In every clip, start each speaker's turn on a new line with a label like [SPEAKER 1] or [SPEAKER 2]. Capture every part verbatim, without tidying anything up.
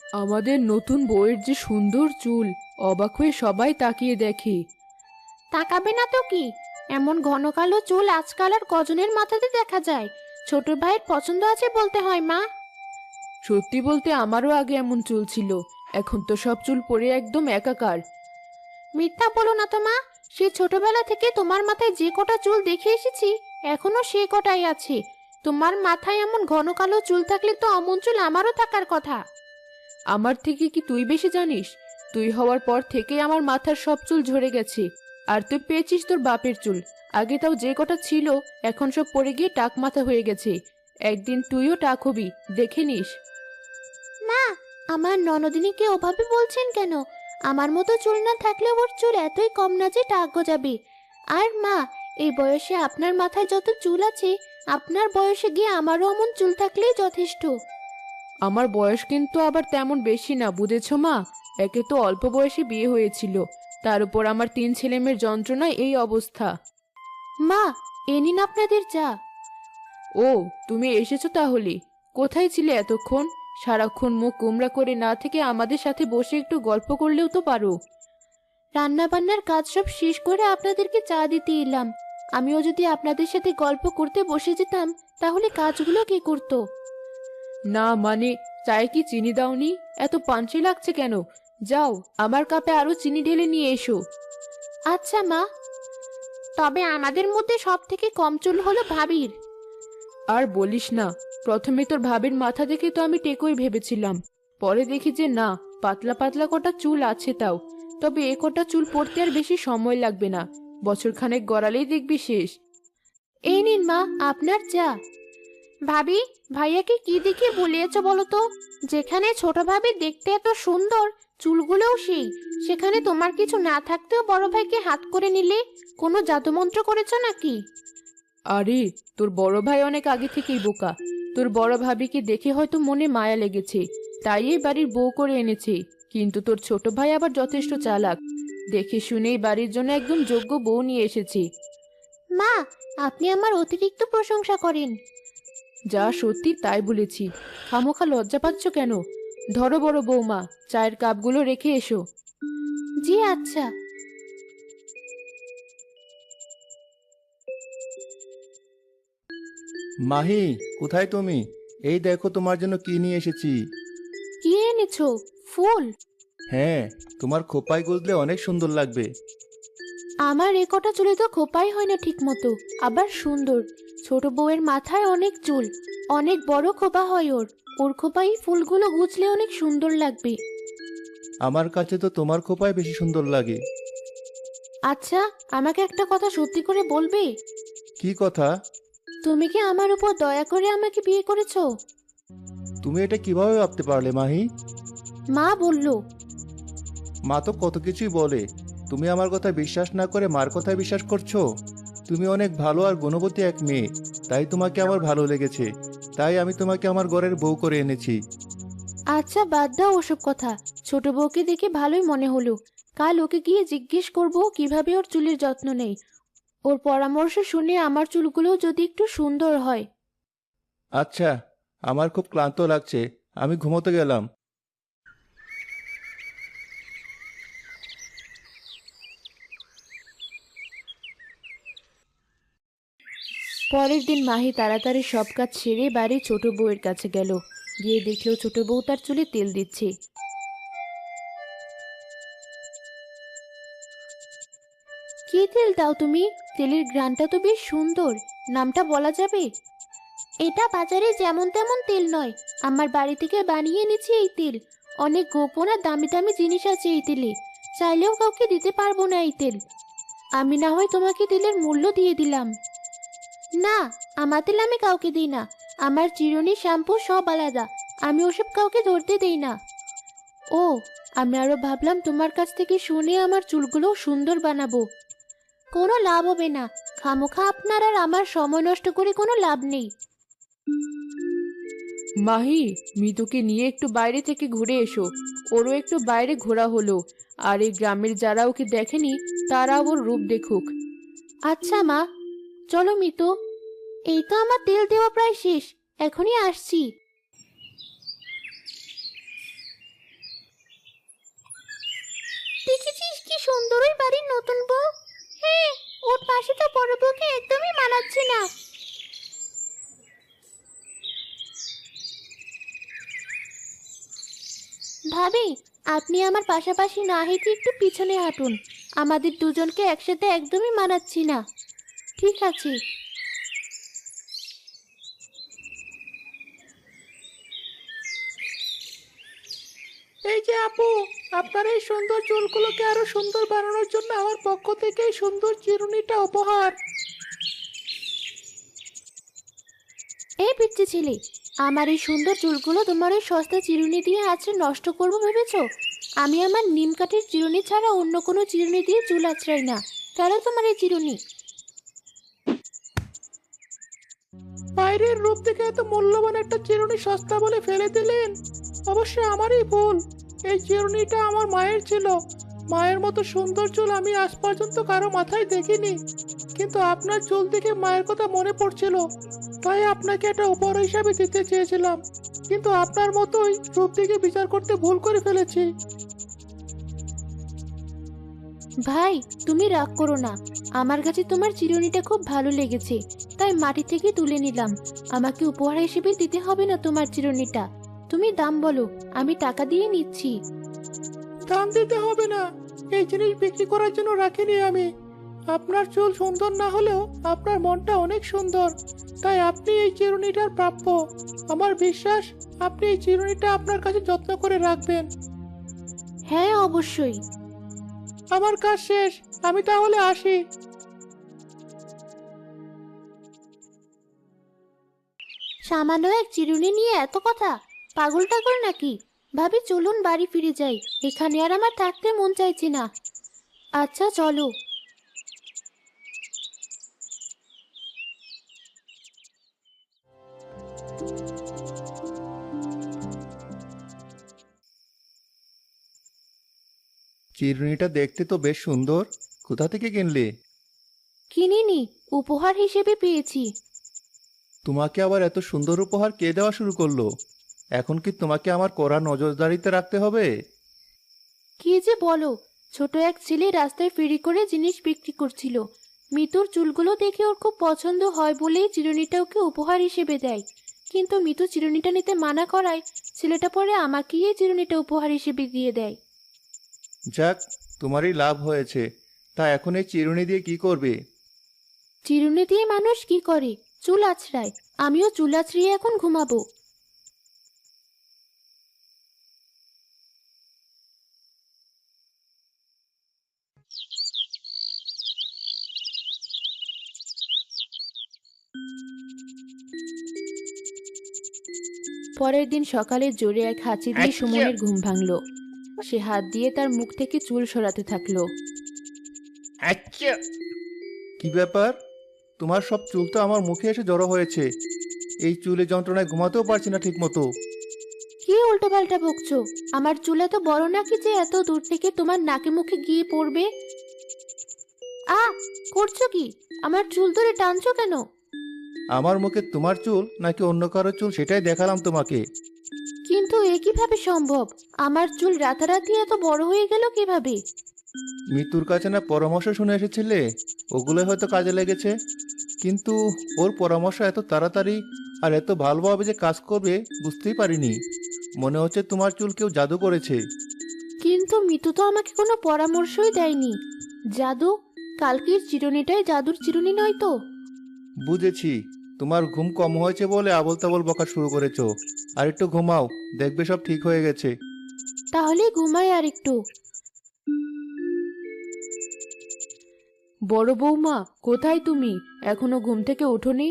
[SPEAKER 1] আমাদের নতুন বউয়ের যে সুন্দর চুল, অবাক হয়ে সবাই তাকিয়ে দেখে।
[SPEAKER 2] তাকাবে না তো কি, এমন ঘন কালো চুল আজকাল আর কজনের মাথাতে দেখা যায়। ছোট ভাইয়ের পছন্দ আছে বলতে হয় মা।
[SPEAKER 1] সত্যি বলতে আমারও আগে এমন চুল ছিল, এখন তো সব চুল পড়ে একদম একাকার।
[SPEAKER 2] মিথ্যা বলো না তো মা, সেই ছোটবেলা থেকে তোমার মাথায় যে কটা চুল দেখে এসেছি এখনো সে কটাই আছে। তোমার মাথায় এমন ঘন কালো চুল থাকলে তো অমন চুল আমারও থাকার কথা।
[SPEAKER 1] আমার থেকে কি তুই বেশি জানিস? তুই হওয়ার পর থেকেই আমার মাথার সব চুল ঝরে গেছে। আর তুই পেয়েছিস তোর বাপের চুল। আগে তাও যে কটা ছিল এখন সব পড়ে গিয়ে টাক মাথা হয়ে গেছে। একদিন তুইও টাক হবি, দেখে নিস।
[SPEAKER 2] মা, আমার ননদিনীকে ওভাবে বলছেন কেন? আমার মতো চুল না থাকলে ওর চুল এতই কম না যে টাক গজাবে। আর মা, এই বয়সে আপনার মাথায় যত চুল আছে, আপনার বয়সে গিয়ে আমারও অমন চুল থাকলেই যথেষ্ট।
[SPEAKER 1] আমার বয়স কিন্তু আবার তেমন বেশি না, বুঝেছ মা? একে তো অল্প বয়সে বিয়ে হয়েছিল, তার উপর আমার তিন ছেলেমেয়ের যন্ত্রণায় এই অবস্থা।
[SPEAKER 2] মা, এ নিন আপনাদের চা।
[SPEAKER 1] ও, তুমি এসেছো তাহলে? কোথায় ছিলে এতক্ষণ? সারাক্ষণ মুখ গোমরা করে না থেকে আমাদের সাথে বসে একটু গল্প করলেও তো পারো।
[SPEAKER 2] রান্না বান্নার কাজ সব শেষ করে আপনাদেরকে চা দিতে এলাম। আমিও যদি আপনাদের সাথে গল্প করতে বসে যেতাম তাহলে কাজগুলো কে করতো?
[SPEAKER 1] না মানে, চায়ে কি চিনি দাওনি? এত পানসি লাগছে কেন? যাও, আমার কাপে আরো চিনি ঢেলে নিয়ে এসো।
[SPEAKER 2] আচ্ছা মা। তবে আমাদের মধ্যে সব থেকে কম চুল হলো ভাবির।
[SPEAKER 1] আর বলিস না, প্রথমে তোর ভাবির মাথা দেখে তো আমি টেকই ভেবেছিলাম। পরে দেখি যে না, পাতলা পাতলা কটা চুল আছে তাও। তবে এ কটা চুল পড়তে আর বেশি সময় লাগবে না, বছর খানেক গড়ালেই দেখবি শেষ।
[SPEAKER 2] এই নিন মা আপনার চা। ভাবি, ভাইয়াকে কি দেখে বলিয়েছ বলো তো? যেখানে ছোট ভাবি দেখতে এত সুন্দর, চুলগুলোও সেই, সেখানে তোমার কিছু না থাকতেও বড় ভাইকে হাত করে নিলে। কোনো জাদুমন্ত্র করেছো নাকি?
[SPEAKER 1] আরে, তোর বড় ভাই অনেক আগে থেকেই বোকা। তোর বড় ভাবিকে দেখে হয়তো মনে মায়া লেগেছে, তাই এই বাড়ির বউ করে এনেছে। কিন্তু তোর ছোট ভাই আবার যথেষ্ট চালাক, দেখে শুনেই বাড়ির জন্য একদম যোগ্য বউ নিয়ে এসেছে।
[SPEAKER 2] মা, আপনি আমার অতিরিক্ত প্রশংসা করেন।
[SPEAKER 1] যা সত্যি তাই বলেছি, খামোখা লজ্জা পাচ্ছ কেন? ধরো বড় বৌমা, চায়ের কাপগুলো রেখে এসো।
[SPEAKER 2] জি আচ্ছা।
[SPEAKER 3] মাহি, কোথায় তুমি? এই দেখো তোমার জন্য কি নিয়ে এসেছি।
[SPEAKER 2] কি এনেছো? ফুল?
[SPEAKER 3] হ্যাঁ, তোমার খোপায় গুজলে অনেক সুন্দর লাগবে।
[SPEAKER 2] আমার এ কটা চুলে তো খোপাই হয় না ঠিক মতো, আবার সুন্দর। ছোট বউয়ের মাথায় অনেক চুল, অনেক বড় খোপা হয় ওর। ওর খোপায় ফুলগুলো গুছলে অনেক সুন্দর লাগবে।
[SPEAKER 3] আমার কাছে তো তোমার খোপায় বেশি সুন্দর লাগে।
[SPEAKER 2] আচ্ছা, আমাকে একটা কথা সত্যি করে বলবে?
[SPEAKER 3] কি কথা?
[SPEAKER 2] তুমি কি আমার উপর দয়া করে আমাকে বিয়ে করেছো?
[SPEAKER 3] তুমি এটা কিভাবে ভাবতে পারলে মাহি?
[SPEAKER 2] মা বলল।
[SPEAKER 3] মা তো কত কিছুই বলে, তুমি আমার কথা বিশ্বাস না করে মার কথায় বিশ্বাস করছো? তুমি অনেক ভালো আর গুণবতী এক মেয়ে, তাই তোমাকে আমার ভালো লেগেছে। তাই আমি তোমাকে আমার ঘরের বউ করে এনেছি।
[SPEAKER 2] আচ্ছা বাদ দাও ওসব কথা। ছোট বউকে দেখে ভালোই মনে হলো। কাল ওকে গিয়ে জিজ্ঞেস করব কিভাবে ওর চুলের যত্ন নেই। ওর পরামর্শ শুনে আমার চুলগুলোও যদি একটু সুন্দর হয়।
[SPEAKER 3] আচ্ছা, আমার খুব ক্লান্ত লাগছে, আমি ঘুমোতে গেলাম।
[SPEAKER 1] পরের দিন মাহি তাড়াতাড়ি সব কাজ সেরে বাড়ি ছোট বউয়ের কাছে গেল। গিয়ে দেখলো ছোট বউ তার চুলে তেল দিচ্ছে।
[SPEAKER 2] কি তেল দাও তুমি? তেলের ঘ্রাণটা তো বেশ সুন্দর। নামটা বলা যাবে? এটা বাজারে যেমন তেমন তেল নয়, আমার বাড়ি থেকে বানিয়ে এনেছি এই তেল। অনেক গোপন আর দামি দামি জিনিস আছে এই তেলে, চাইলেও কাউকে দিতে পারবো না এই তেল। আমি না হয় তোমাকে তেলের মূল্য দিয়ে দিলাম। না, আমার তেল আমি কাউকে দিই না। আমার চিরুনি, শ্যাম্পু সব আলাদা। আমি ওসব কাউকে ধরতে দেই না। ও, আমি আরো ভাবলাম তোমার কাছ থেকে শুনে আমার চুলগুলো সুন্দর বানাবো। কোনো লাভ হবে না। খামোখা আপনার আর আমার সময় নষ্ট করে কোনো লাভ নেই।
[SPEAKER 1] মাহি, মিতুকে নিয়ে একটু বাইরে থেকে ঘুরে এসো। ওরও একটু বাইরে ঘোরা হলো, আর এই গ্রামের যারা ওকে দেখেনি তারা ওর রূপ দেখুক।
[SPEAKER 2] আচ্ছা মা, চলো মিতু। এই তো আমার তেল দেওয়া প্রায় শেষ, এখনই আসছি। সুন্দর ওই বাড়ির নতুন বউ। হ্যাঁ, ওর পাশে তো বড় বউকে একদমই মানাচ্ছে না। ভাবি, আপনি আমার পাশাপাশি না হেঁটে একটু পিছনে হাঁটুন। আমাদের দুজনকে একসাথে একদমই মানাচ্ছি না। ঠিক আছে।
[SPEAKER 4] এই যে আপু, আপনার এই সুন্দর চুলগুলোকে আরো সুন্দর বানানোর জন্য আমার পক্ষ থেকে এই সুন্দর চিরুনিটা উপহার।
[SPEAKER 2] এই পিচ্চি ছেলে, আমার এই সুন্দর চুলগুলো তোমার এই সস্তা চিরুনি দিয়ে আঁচড়ে নষ্ট করবো ভেবেছো? আমি আমার নিম কাঠের চিরুনি ছাড়া অন্য কোনো চিরুনি দিয়ে চুল আঁচড়াই না। কেন তোমার এই চিরুনি?
[SPEAKER 4] বাইরের রূপ থেকে এত মূল্যবান একটা চিরুনি সস্তা বলে ফেলে দিলেন। অবশ্যই আমারই ভুল। এই চিরুনিটা আমার মায়ের ছিল। মায়ের মতো সুন্দর চুল আমি আজ পর্যন্ত কারো মাথায় দেখিনি, কিন্তু আপনার চুল দেখে মায়ের কথা মনে পড়ছিল, তাই আপনাকে এটা উপহার হিসাবে দিতে চেয়েছিলাম। কিন্তু আপনার মতোই রূপ দেখে বিচার করতে ভুল করে ফেলেছি।
[SPEAKER 2] ভাই, তুমি রাগ করো না। আমার কাছে তোমার চিরুনিটা খুব ভালো লেগেছে, তাই মাটি থেকে তুলে নিলাম। আমাকে উপহার হিসেবে দিতে হবে না তোমার চিরুনিটা। তুমি দাম বলো, আমি টাকা দিয়ে নিচ্ছি।
[SPEAKER 4] দাম দিতে হবে না, এই জিনিস বিক্রি করার জন্য রাখিনি আমি। আপনার চুল সুন্দর না হলেও আপনার মনটা অনেক সুন্দর, তাই আপনি এই চিরুনিটার প্রাপ্য। আমার বিশ্বাস আপনি এই চিরুনিটা আপনার কাছে যত্ন করে রাখবেন।
[SPEAKER 2] হ্যাঁ, অবশ্যই।
[SPEAKER 4] আমার কাজ শেষ, আমি তাহলে আসি।
[SPEAKER 2] সামান্য এক চিরুনি নিয়ে এত কথা? পাগল টাগল নাকি? ভাবি, চলুন বাড়ি ফিরে যাই। এখানে আর আমার থাকতে মন চাইছে না। আচ্ছা, চলো।
[SPEAKER 3] চিরুনিটা দেখতে তো বেশ সুন্দর। কোথা থেকে কিনলে?
[SPEAKER 2] কিনিনি, উপহার হিসেবে পেয়েছি।
[SPEAKER 3] তোমাকে আবার এত সুন্দর উপহার কে দেওয়া শুরু করলো? এখন কি তোমাকে আমার কড়া নজরদারিতে রাখতে হবে?
[SPEAKER 2] কি যে বলো! ছোট এক ছেলে রাস্তায় ফেরি করে জিনিস বিক্রি করছিল। মিতুর চুলগুলো দেখে ওর খুব পছন্দ হয় বলেই চিরুনিটা ওকে উপহার হিসেবে দেয়। কিন্তু মিতু চিরুনিটা নিতে মানা করায় ছেলেটা পরে আমাকেই এই চিরুনিটা উপহার হিসেবে দিয়ে দেয়।
[SPEAKER 3] যাক, তোমারই লাভ হয়েছে। তা এখন এই চিরুনি দিয়ে কি করবে?
[SPEAKER 2] চিরুনি দিয়ে মানুষ কি করে? চুল আঁচড়ায়। আমিও চুল আঁচড়িয়ে এখন ঘুমাবো।
[SPEAKER 1] পরের দিন সকালে জোরে এক হাঁচি দিয়ে সুমনের ঘুম ভাঙলো। সে হাত দিয়ে তার মুখ থেকে চুল সরাতে থাকলো।
[SPEAKER 3] কি ব্যাপার? তোমার সব চুল তো আমার মুখে এসে জড়ো হয়েছে। এই চুলে যন্ত্রণায় ঘুমাতেও পারছি না ঠিক মতো।
[SPEAKER 2] কি উল্টো পাল্টা বকছো? আমার চুল এত বড় নাকি যে এত দূর থেকে তোমার নাকে মুখে গিয়ে পড়বে? আ করছো কি? আমার চুল ধরে টানছো কেন?
[SPEAKER 3] আমার মুখে তোমার চুল নাকি অন্য কারো চুল সেটাই দেখালাম তোমাকে।
[SPEAKER 2] কিন্তু এ কিভাবে সম্ভব? আমার চুল রাতারাতি এত বড় হয়ে গেল কিভাবে?
[SPEAKER 3] মৃত্যুর কাছে না পরামর্শ শুনে এসেছিলে, ওগুলো হয়তো কাজে লেগেছে। কিন্তু ওর পরামর্শ এত তাড়াতাড়ি আর এত ভালোভাবে যে কাজ করবে বুঝতেই পারিনি। মনে হচ্ছে তোমার চুল কেউ জাদু করেছে।
[SPEAKER 2] কিন্তু মিতু তো আমাকে কোনো পরামর্শই দেয়নি। জাদু? কালকের চিরুনিটাই জাদুর চিরুনি নয় তো?
[SPEAKER 3] বুঝেছি, তোমার ঘুম কম হয়েছে বলে আবল তাবল বকা শুরু করেছো। আর একটু ঘুমাও, দেখবে সব ঠিক হয়ে গেছে।
[SPEAKER 2] তাহলে ঘুমাই আর একটু।
[SPEAKER 1] বড় বৌমা, কোথায় তুমি? এখনো ঘুম থেকে ওঠোনি?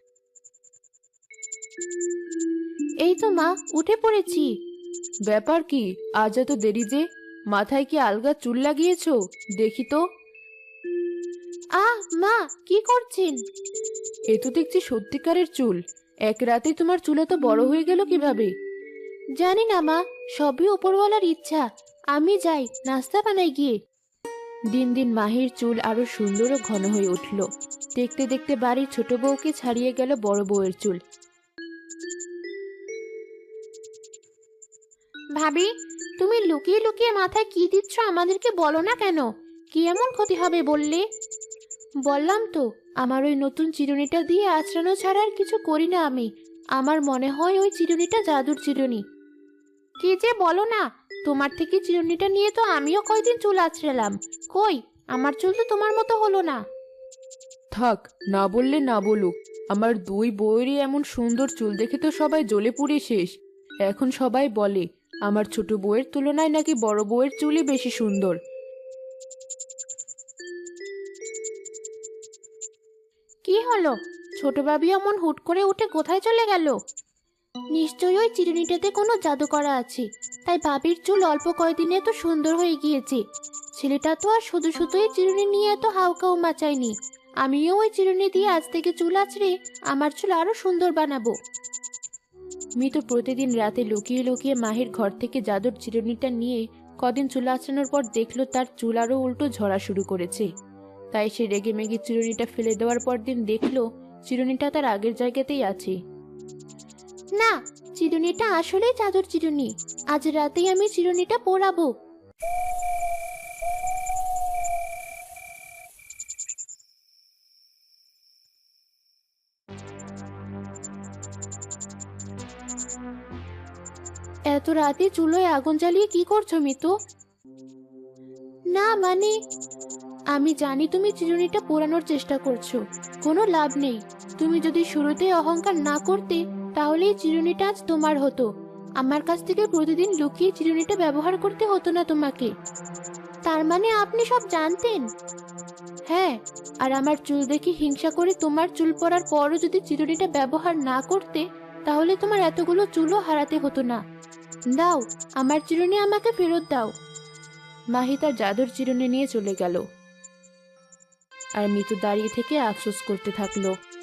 [SPEAKER 2] এই তো মা, উঠে পড়েছি।
[SPEAKER 1] ব্যাপার কি, আজ এত দেরি যে? মাথায় কি আলগা চুল লাগিয়েছো? দেখি তো।
[SPEAKER 2] আহ মা, কি করছেন?
[SPEAKER 1] এ তো দেখছি সত্যিকারের চুল। এক রাতে তোমার চুল এত বড় হয়ে গেল কিভাবে?
[SPEAKER 2] জানি না মা, সবই উপরওয়ালার ইচ্ছা। আমি যাই, নাস্তা বানাই গিয়ে।
[SPEAKER 1] দিন দিন মাহির চুল আরো সুন্দর ও ঘন হয়ে উঠল। দেখতে দেখতে বাড়ির ছোট বউকে ছাড়িয়ে গেল বড় বউয়ের চুল।
[SPEAKER 2] ভাবি, তুমি লুকিয়ে লুকিয়ে মাথায় কি দিচ্ছ আমাদেরকে বলো না কেন? কি এমন ক্ষতি হবে বললে? বললাম তো, আমার ওই নতুন চিরুনিটা দিয়ে আঁচড়ানো ছাড়া আর কিছু করি না আমি। আমার মনে হয় ওই চিরুনিটা জাদুর চিরুনি। কি যে বলো না, তোমার থেকে চিরুনিটা নিয়ে তো আমিও কয়দিন চুল আঁচড়ালাম। কই, আমার চুল তো তোমার মতো হলো না।
[SPEAKER 1] থাক, না বললে না বলুক, আমার দুই বউয়েরই এমন সুন্দর চুল দেখে তো সবাই জ্বলে পুড়ে শেষ। এখন সবাই বলে আমার ছোট বউয়ের তুলনায় নাকি বড় বউয়ের চুলই বেশি সুন্দর।
[SPEAKER 2] কি হলো? ছোট ভাবি অমন হুট করে উঠে কোথায় চলে গেল? নিশ্চয়ই ওই চিরুনিটাতে কোনো জাদু করা আছে, তাই ভাবির চুল অল্প কয়দিনে এত সুন্দর হয়ে গিয়েছে। ছেলেটা তো আর শুধু শুধুই চিরুনি নিয়ে এত হাউকাউ মাচায়নি। আমিও ওই চিরুনি দিয়ে আজ থেকে চুল আঁচড়ে আমার চুল আরো সুন্দর বানাবো।
[SPEAKER 1] মিতু প্রতিদিন রাতে লুকিয়ে লুকিয়ে মাহির ঘর থেকে জাদুর চিরুনিটা নিয়ে কদিন চুল আঁচড়ানোর পর দেখলো তার চুল আরো উল্টো ঝরা শুরু করেছে। তাই সে রেগে মেগে চিরুনিটা ফেলে দেওয়ার পর দিন দেখলো চিরুনিটা তার আগের জায়গাতেই আছে।
[SPEAKER 2] না, চিরুনিটা আসলেই জাদুর চিরুনি। আজ রাতেই আমি চিরুনিটা পরাবো।
[SPEAKER 1] এত রাতে চুলোয় আগুন জ্বালিয়ে কি করছো মিতু?
[SPEAKER 2] না মানে,
[SPEAKER 1] আমি জানি তুমি চিরুনিটা পোড়ানোর চেষ্টা করছো, কোনো লাভ নেই। তুমি যদি শুরুতে অহংকার না করতে তাহলে এই চিরুনিটা আজ তোমার হতো। আমার কাছ থেকে প্রতিদিন লুকিয়ে চিরুনিটা ব্যবহার করতে হতো না তোমাকে।
[SPEAKER 2] তার মানে আপনি সব জানতেন?
[SPEAKER 1] হ্যাঁ, আর আমার চুল দেখে হিংসা করে তোমার চুল পড়ার পরও যদি চিরুনিটা ব্যবহার না করতে তাহলে তোমার এতগুলো চুলও হারাতে হতো না। দাও, আমার চিরুনি আমাকে ফেরত দাও। মাহি তার জাদুর চিরুনি নিয়ে চলে গেল আর মিতু দাঁড়িয়ে থেকে আফসোস করতে থাকলো।